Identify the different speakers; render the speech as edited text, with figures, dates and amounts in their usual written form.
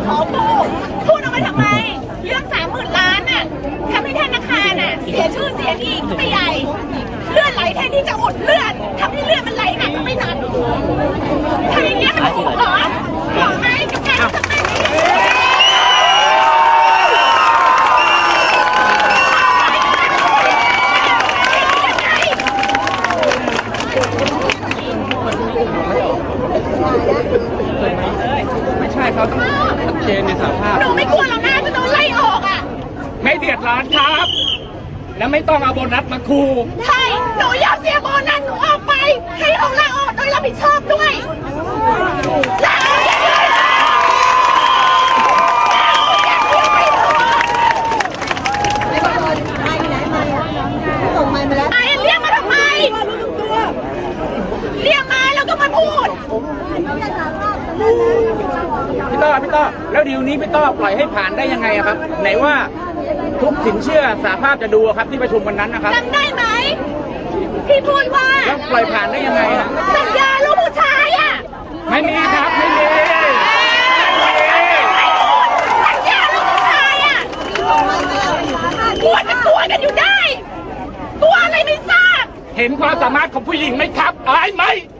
Speaker 1: ขอพูดออกมาทำไมเรื่อง30,000 ล้านน่ะทำให้ธนาคารน่ะเสียชื่อเสียงอีกไม่ใหญ่เลือดไหลแทนที่จะอุดเลือดทำให้เลือดมันไหลหนักก็ไม่หนักทำอย่างเงี้ยมันถูกเหรอบอกไหมกับการทำแบบนี้
Speaker 2: ไม่ใช่เขาต้องชัดเจนในสภาพ
Speaker 1: หนูไม่กลัวหรอกนะจะโดนไล่ออกอ่ะ
Speaker 2: ไม่เดือดร้อนครับ แล้วไม่ต้องเอาโบนัสมาคู
Speaker 1: ใช่หนูอยากเสียโบนัสหนูออกไปให้เขาลาออกโดยรับผิดชอบด้วยลาออกไอ้เรียกมาทำไมเรียกมาแล้วก็มาพูด
Speaker 2: พี่ต้อแล้วดีลนี้พี่ต้อปล่อยให้ผ่านได้ยังไงครับไหนว่าทุกสินเชื่อสหภาพจะดูครับที่ประชุมวันนั้นนะครับ
Speaker 1: จำได้ไหมพี่พูดว่า
Speaker 2: แล้วปล่อยผ่านได้ยังไงฮะ
Speaker 1: สัญญาลูกผู้ชายอ่ะ
Speaker 2: ไม่มีครับไม่มี
Speaker 1: สัญญาลูกผู้ชายอ่ะกลัวจะกลัวกันอยู่ได้กลัวอะไรไม่ทราบ
Speaker 2: เห็นความสามารถของผู้หญิงไหมครับอายไหม